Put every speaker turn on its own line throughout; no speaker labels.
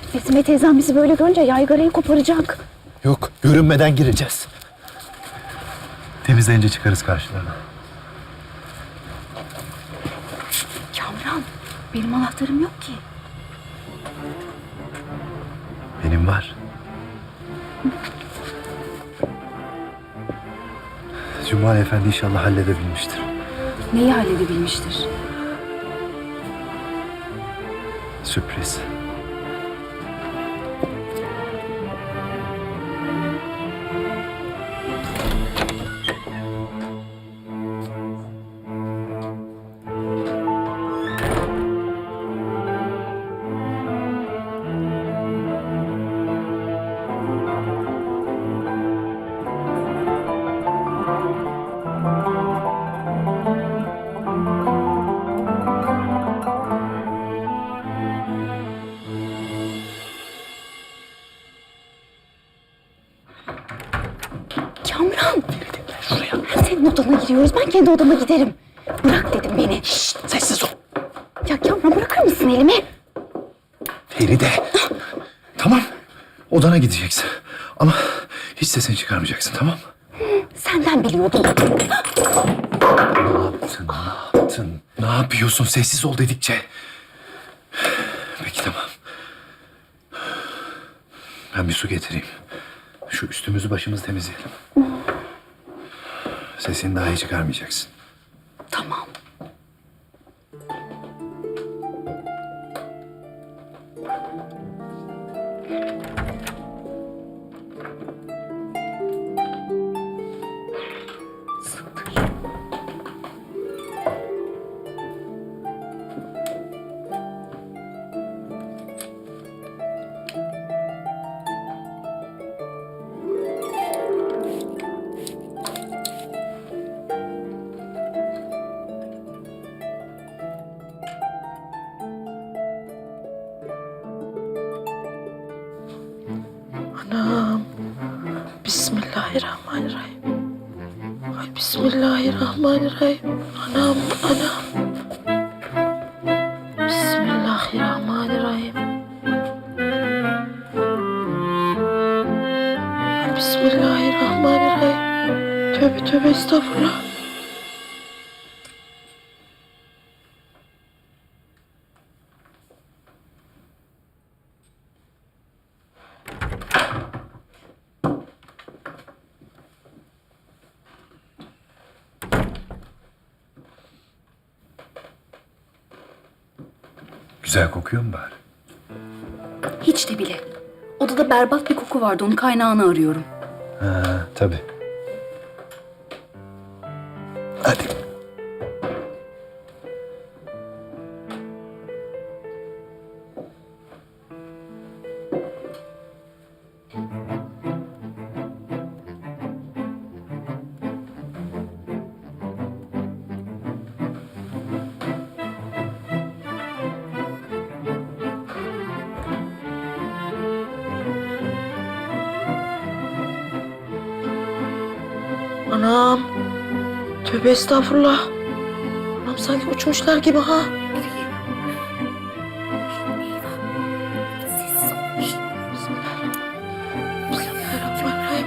Besme teyzem bizi böyle görünce yaygarayı koparacak.
Yok, görünmeden gireceğiz. Temizlenince çıkarız karşılarına.
Kamran, benim anahtarım yok ki.
Benim var. Cumali Efendi inşallah halledebilmiştir.
Neyi halledebilmiştir?
Sürpriz.
Kamran! Şuraya. Hem senin odana giriyoruz, ben kendi odama giderim. Bırak dedim beni.
Şşt, sessiz ol.
Ya Kamran, bırakır mısın elimi?
Feride. Tamam, odana gideceksin. Ama hiç sesini çıkarmayacaksın, tamam mı?
Senden biliyordum.
Ne yaptın, ne yaptın? Ne yapıyorsun sessiz ol dedikçe? Peki tamam. Ben bir su getireyim. Şu üstümüzü başımızı temizleyelim. Sesini daha iyi çıkarmayacaksın.
Tamam.
Anam. Bismillahirrahmanirrahim. Ay bismillahirrahmanirrahim. Anam, anam. Bismillahirrahmanirrahim. Ay bismillahirrahmanirrahim. Tövbe tövbe estağfurullah.
Güzel kokuyor mu bari?
Hiç de bile. Odada berbat bir koku vardı, onun kaynağını arıyorum.
Ha, tabii. Hadi.
Anam. Tövbe estağfurullah. Anam sanki uçmuşlar gibi ha. Bismillahirrahmanirrahim.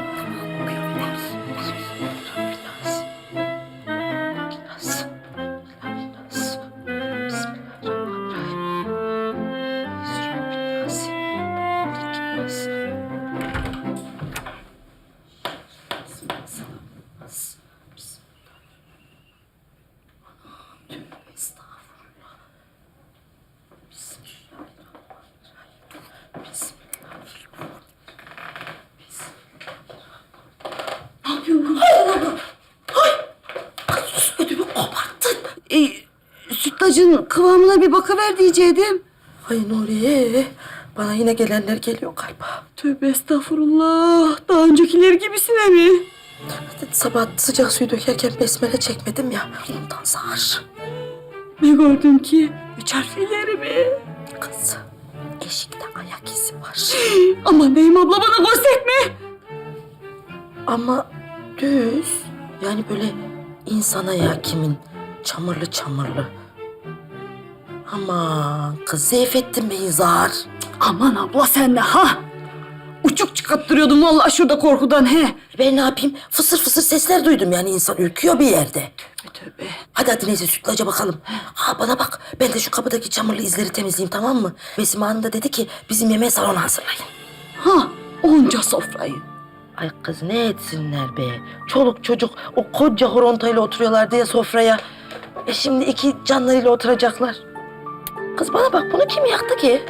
Sütlacın kıvamına bir bakıver diyecektim.
Ay Nuriye, bana yine gelenler geliyor galiba.
Tövbe estağfurullah. Daha öncekiler gibisine mi?
Sabah sıcak suyu dökerken besmele çekmedim ya, ondan zar.
Ne gördün ki? 3 harflileri mi?
Kız, eşikte ayak izi var.
Aman diyeyim abla, bana gösterme.
Ama düz, yani böyle insan ayağı kimin, çamurlu çamurlu. Aman kız Seyfettin Bey'in zar.
Aman abla sen de ha. Uçuk çıkarttırıyordum vallahi şurada korkudan he.
Ben ne yapayım? Fısır fısır sesler duydum yani insan ürküyor bir yerde.
Tövbe.
Hadi neyse sütlaca bakalım. Ha bana bak ben de şu kapıdaki çamurlu izleri temizleyeyim tamam mı? Besime Hanım da dedi ki bizim yemeğe salona hazırlayın.
Ha onca sofrayı.
Ay kız ne etsinler be. Çoluk çocuk o koca horontayla oturuyorlar diye sofraya. Şimdi iki canlarıyla oturacaklar. Kız bana bak bunu kim yaktı ki?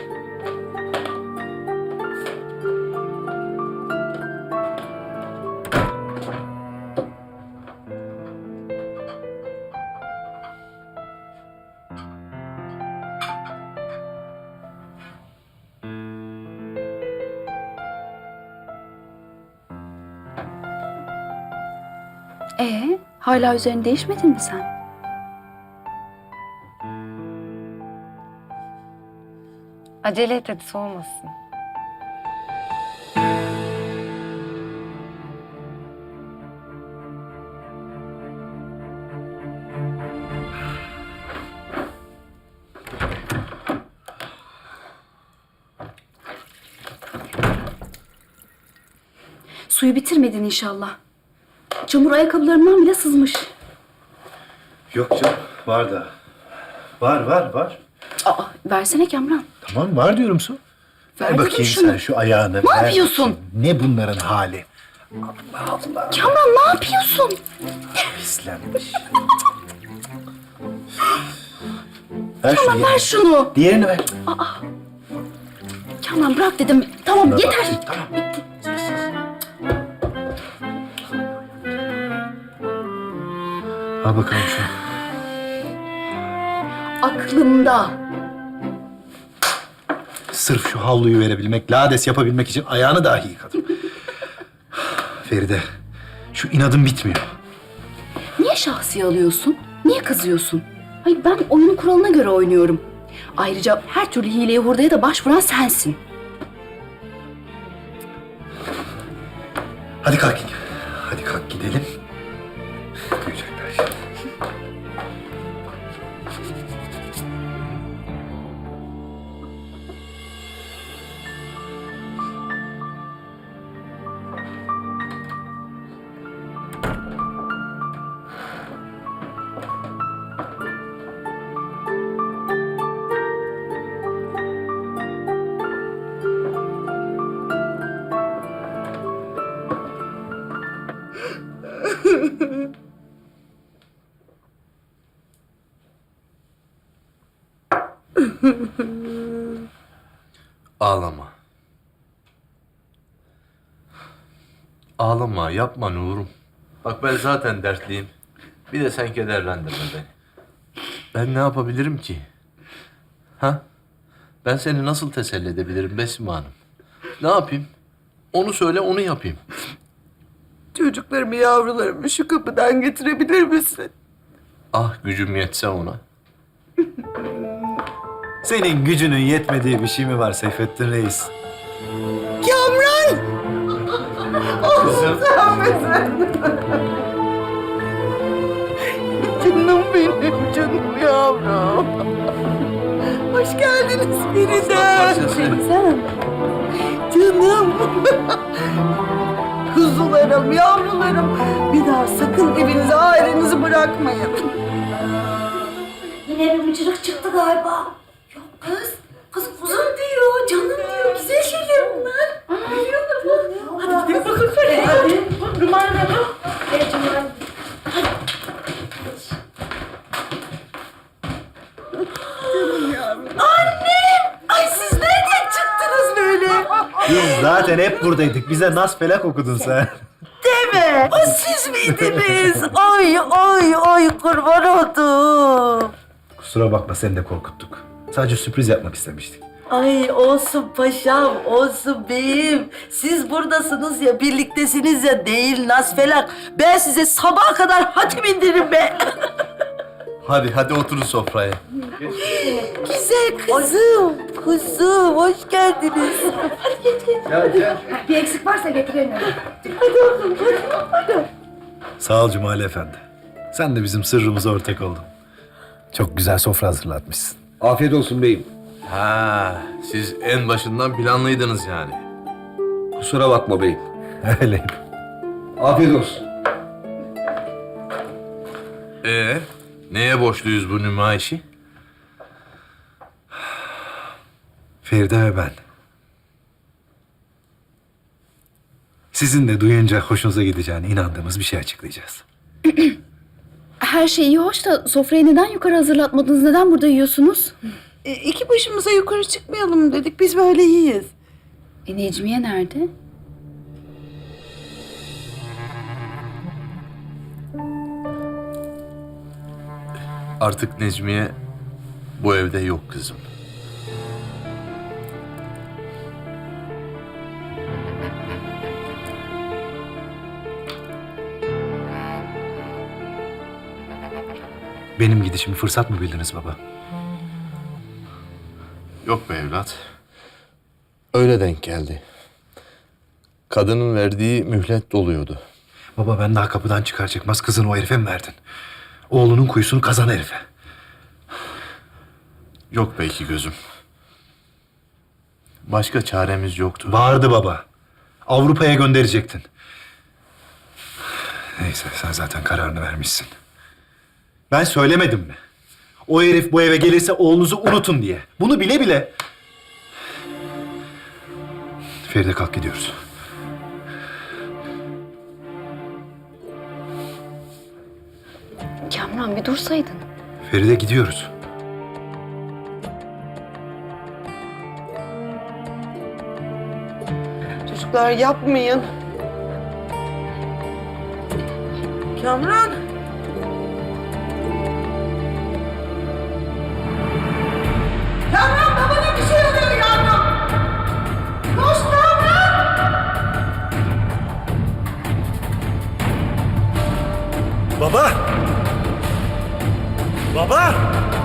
Hala üzerini değişmedin mi sen?
Acele et hadi soğumasın.
Suyu bitirmedin inşallah. Çamur ayakkabılarımdan bile sızmış.
Yok canım, var da. Var.
Aa, versene Kamran.
Tamam, var diyorum su.
Ver
Ver
dedim
bakayım
şunu.
sen şu ayağını.
Ne yapıyorsun?
Ne bunların hali?
Kamran ne yapıyorsun?
Pislenmiş. Ver şunu.
Kamran ver şunu.
Diğerini ver.
Kamran bırak dedim. Tamam
Buna
yeter.
bak, tamam. Al bakalım şunu.
Aklımda.
Sırf şu havluyu verebilmek, lades yapabilmek için ayağını dahi yıkadım. Feride, şu inadın bitmiyor.
Niye şahsi alıyorsun? Niye kızıyorsun? Hayır ben oyunun kuralına göre oynuyorum. Ayrıca her türlü hileye hurdaya da başvuran sensin.
Hadi kalk. Hadi kalk gidelim. Duyacaklar şimdi.
Ağlama. Ağlama, yapma Nurum. Bak ben zaten dertliyim. Bir de sen kederlendirme beni. Ben ne yapabilirim ki? Ha? Ben seni nasıl teselli edebilirim Besime Hanım? Ne yapayım? Onu söyle, onu yapayım.
Çocuklarımı yavrularımı şu kapıdan getirebilir misin?
Ah gücüm yetse ona.
Senin gücünün yetmediği bir şey mi var Seyfettin Reis?
Kamran!
Kızım.
Canım benim, canım yavrum. Hoş geldiniz Feride. Canım. Kuzularım, yavrularım. Bir daha sakın evinizi, ailenizi bırakmayın.
Yine bir mıcırık çıktı galiba. Yok kız. Kız kuzum diyor, canım diyor. Güzel şeyler bunlar. Hadi gidelim bakalım. Hadi. Numara ne bu? Evet numara.
Ay siz nereden çıktınız böyle?
Biz zaten hep buradaydık. Bize nas felak okudun sen.
Deme. O siz miydiniz? Ay kurban oldum.
Kusura bakma seni de korkuttuk. Sadece sürpriz yapmak istemiştik.
Ay olsun paşam, olsun beyim. Siz buradasınız ya, birliktesiniz ya, değil Nasfelak. Ben size sabaha kadar hatim indiririm be.
Hadi oturun sofraya.
Güzel kuzum, hoş geldiniz.
Bir eksik varsa getirelim.
Sağ ol Cumali Efendi. Sen de bizim sırrımıza ortak oldun. Çok güzel sofra hazırlatmışsın.
Afiyet olsun beyim.
Ha, siz en başından planlıydınız yani.
Kusura bakma beyim.
Öyleyim.
Afiyet olsun.
Neye borçluyuz bu nümayişi?
Feride ve ben. Sizin de duyunca hoşunuza gideceğine inandığımız bir şey açıklayacağız.
Her şey iyi hoş da sofrayı neden yukarı hazırlatmadınız? Neden burada yiyorsunuz?
İki başımıza yukarı çıkmayalım dedik. Biz böyle iyiyiz.
Necmiye nerede?
Artık Necmiye bu evde yok kızım.
Benim gidişimi fırsat mı bildiniz baba?
Yok be evlat. Öyle denk geldi. Kadının verdiği mühlet doluyordu.
Baba ben daha kapıdan çıkar çıkmaz kızını o herife mi verdin? Oğlunun kuyusunu kazan herife.
Yok belki gözüm. Başka çaremiz yoktu.
Bağırdı baba. Avrupa'ya gönderecektin. Neyse sen zaten kararını vermişsin. Ben söylemedim mi? O herif bu eve gelirse oğlunuzu unutun diye. Bunu bile bile... Feride kalk gidiyoruz.
Kamran bir dursaydın.
Feride gidiyoruz.
Çocuklar yapmayın. Kamran. Kamran babana bir şey oluyor yavrum. Koş Kamran.
Baba! Baba!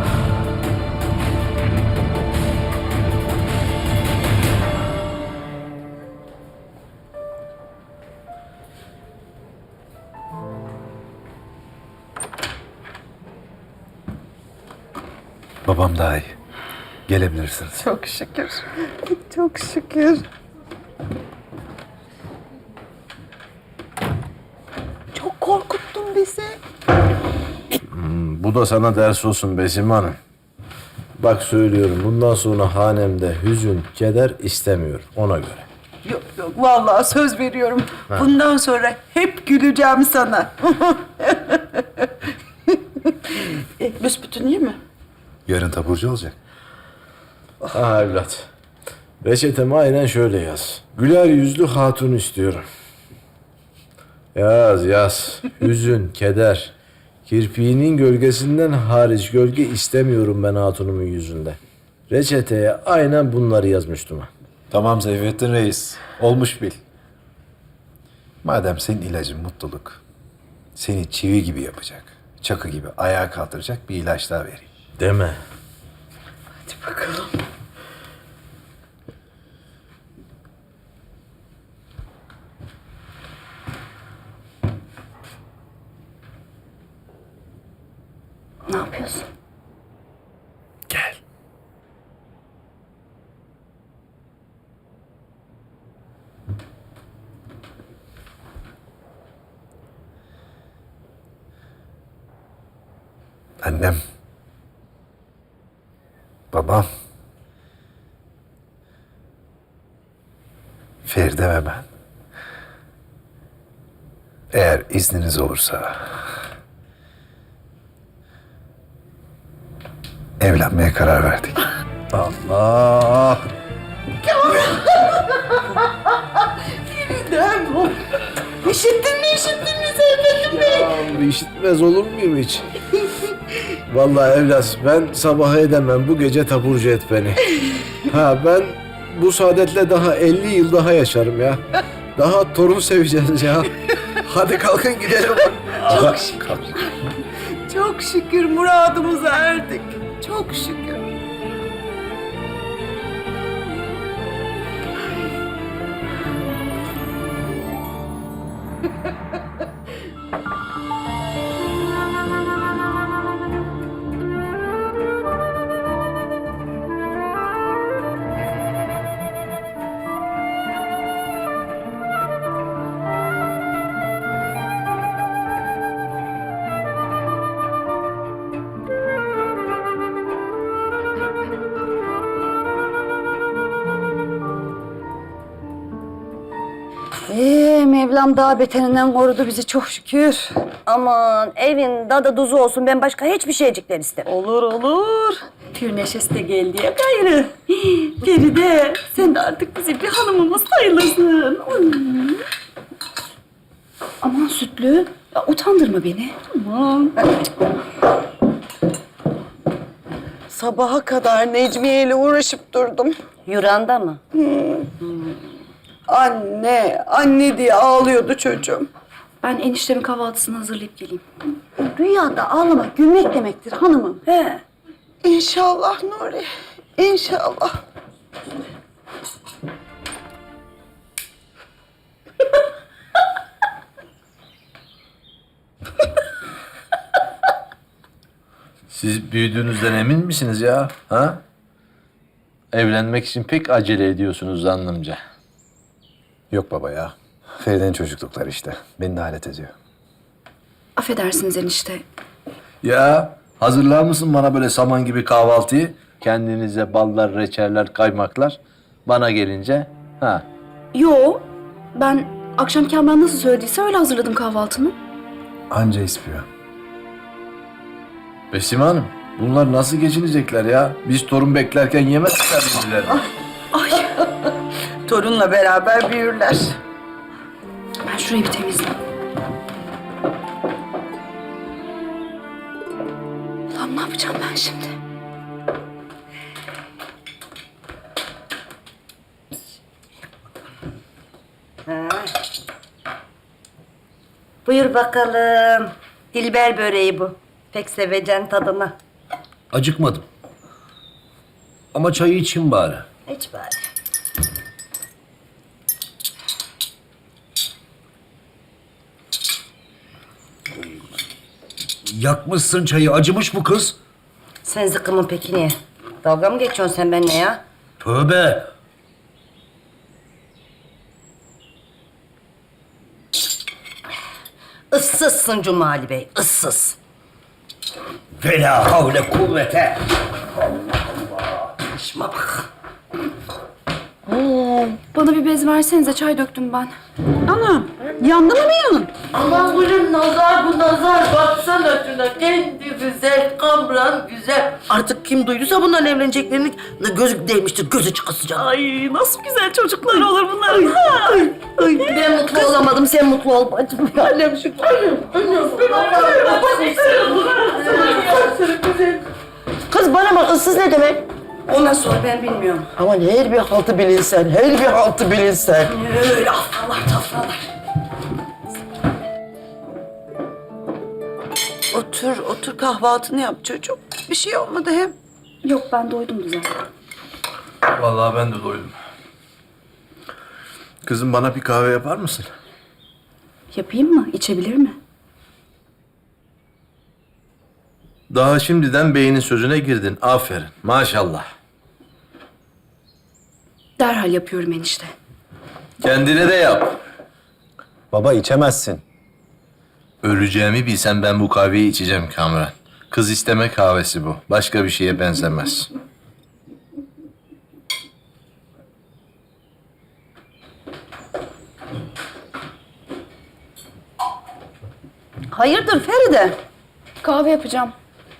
Babam daha iyi. Gelebilirsiniz.
Çok şükür. Çok şükür. Çok korkuttun bizi.
Bu da sana ders olsun Besim Hanım. Bak söylüyorum bundan sonra hanemde hüzün, keder istemiyorum ona göre.
Yok yok vallahi söz veriyorum. Bundan sonra hep güleceğim sana. Büsbütün iyi mi?
Yarın taburcu olacak.
Ha evlat. Reçetemi aynen şöyle yaz. Güler yüzlü hatun istiyorum. Yaz yaz. Hüzün, keder. Kirpiğinin gölgesinden hariç gölge istemiyorum ben hatunumun yüzünde. Reçeteye aynen bunları yazmıştım.
Tamam Seyfettin Reis. Olmuş bil. Madem senin ilacın mutluluk, seni çivi gibi yapacak, çakı gibi ayağa kaldıracak bir ilaç daha vereyim.
Deme.
Hadi bakalım.
Ne yapıyorsun?
Gel.
Annem, babam, Feride ve ben. Eğer izniniz olursa evlenmeye karar verdik.
Allah.
Neden bu? İşittin mi Seyfettin Bey?
Ya işitmez olur muyum hiç? Vallahi evlat ben sabah edemem bu gece taburcu et beni. Ha ben bu saadetle daha 50 yıl daha yaşarım ya. Daha torun seveceğiz ya. Hadi kalkın gidelim.
Çok şükür muradımıza erdik. Çok şükür.
Mevlam daha beterinden korudu bizi çok şükür.
Aman evin dadı duzu olsun, ben başka hiçbir şeycikler istemem.
Olur olur. Pür neşesi de geldi ya gayrı. Feride sen de artık bizim bir hanımımız sayılırsın. Aman Sütlü, ya utandırma beni. Aman.
Sabaha kadar Necmiye ile uğraşıp durdum.
Yuranda mı?
Anne diye ağlıyordu çocuğum.
Ben eniştemin kahvaltısını hazırlayıp geleyim. Rüyada ağlamak gülmek demektir hanımım.
He.
İnşallah Nuri, inşallah.
Siz büyüdüğünüzden emin misiniz ya? Ha? Evlenmek için pek acele ediyorsunuz zannımca.
Yok baba ya. Feride'nin çocuklukları işte. Beni de alet ediyor.
Affedersiniz enişte.
Ya hazırlar mısın bana böyle saman gibi kahvaltıyı? Kendinize ballar, reçeller, kaymaklar. Bana gelince ha.
Yo, ben akşam Kamran nasıl söylediyse öyle hazırladım kahvaltımı.
Anca ispiyor.
Besime Hanım, bunlar nasıl geçinecekler ya? Biz torun beklerken yemezler birbirlerini.
Torunla beraber büyürler.
Ben şurayı bir temizleyeyim. Ulan ne yapacağım ben şimdi?
Buyur bakalım. Dilber böreği bu. Pek seveceksin tadını.
Acıkmadım. Ama çayı içeyim bari.
Hiç bari.
Yakmışsın çayı. Acımış bu kız.
Sen zıkkımın peki niye? Dalga mı geçiyorsun sen benimle ya?
Tövbe.
Issızsın Cumali Bey, ıssız.
Ve la havle kuvvete.
İşime bak.
Bana bir bez versenize, çay döktüm ben.
Anam, yandı mı bir yanın?
Aman gülüm nazar bu nazar, baksana şuna kendi güzel, kamran güzel.
Artık kim duyduysa bunların evleneceklerini gözü değmiştir, gözü çıkasıca.
Ay nasıl güzel çocuklar olur bunlar.
Ben mutlu olamadım, sen mutlu ol bacım.
Annem şu Kız bana bak, ıssız ne demek?
Ondan sonra ben bilmiyorum.
Aman her bir haltı bilinsen, her bir haltı bilinsen.
Öyle afralar tafralar.
Otur kahvaltını yap çocuğum. Bir şey olmadı hem.
Yok ben doydum güzel.
Vallahi ben de doydum. Kızım bana bir kahve yapar mısın?
Yapayım mı? İçebilir mi?
Daha şimdiden beynin sözüne girdin. Aferin. Maşallah.
Derhal yapıyorum enişte.
Kendine de yap.
Baba içemezsin.
Öleceğimi bilsem ben bu kahveyi içeceğim Kamran. Kız isteme kahvesi bu. Başka bir şeye benzemez.
Hayırdır Feride?
Kahve yapacağım.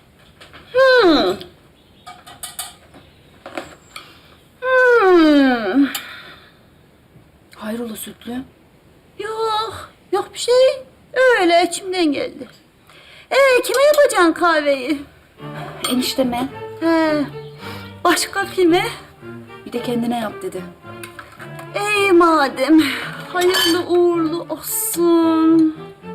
Hayrola Sütlü?
Yok bir şey. Öyle içimden geldi. Kime yapacaksın kahveyi?
Enişteme.
He, başka kime?
Bir de kendine yap dedi.
Madem. Hayırlı uğurlu olsun.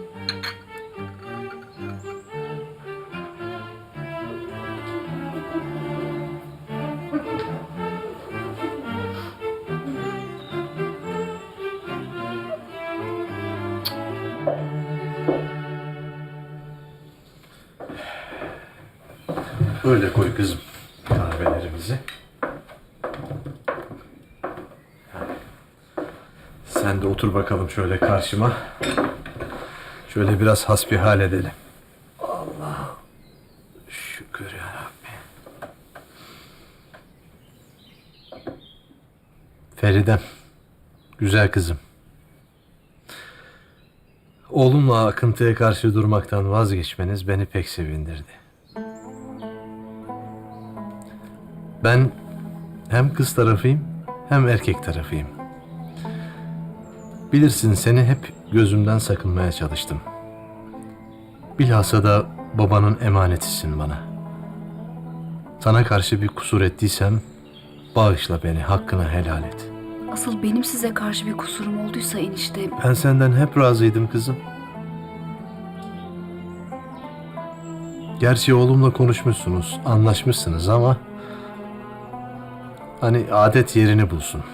Öyle koy kızım kahvelerimizi. Sen de otur bakalım şöyle karşıma. Şöyle biraz hasbihal edelim. Allah şükür ya Rabbi. Feridem, güzel kızım. Oğlumla akıntıya karşı durmaktan vazgeçmeniz beni pek sevindirdi. Ben hem kız tarafıyım hem erkek tarafıyım. Bilirsin seni hep gözümden sakınmaya çalıştım. Bilhassa da babanın emanetisin bana. Sana karşı bir kusur ettiysem bağışla beni, hakkını helal et.
Asıl benim size karşı bir kusurum olduysa enişte...
Ben senden hep razıydım kızım. Gerçi oğlumla konuşmuşsunuz, anlaşmışsınız ama... Hani adet yerini bulsun.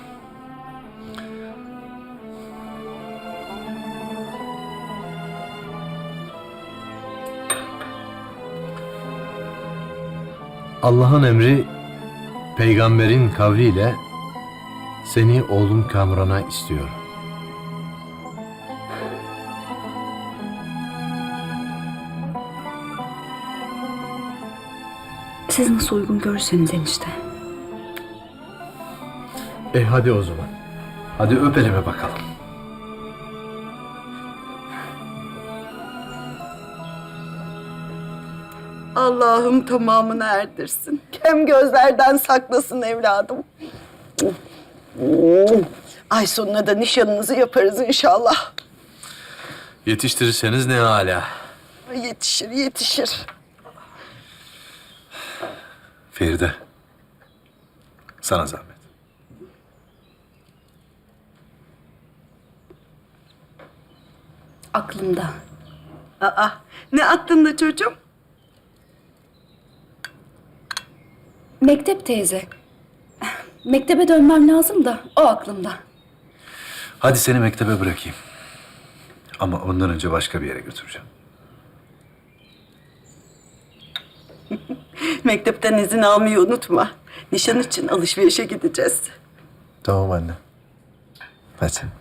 Allah'ın emri, peygamberin kavliyle seni oğlum Kamran'a istiyor.
Siz nasıl uygun görürseniz enişte.
Hadi o zaman. Hadi öp elime bakalım.
Allah'ım tamamını erdirsin. Kem gözlerden saklasın evladım. Ay sonuna da nişanınızı yaparız inşallah.
Yetiştirirseniz ne hala.
Yetişir, yetişir.
Feride. Sana zahmet.
Aklımda.
Aa, ne aklında çocuğum?
Mektep teyze. Mektebe dönmem lazım da o aklımda.
Hadi seni mektebe bırakayım. Ama ondan önce başka bir yere götüreceğim.
Mektepten izin almayı unutma. Nişan için alışverişe gideceğiz.
Tamam anne. Hadi.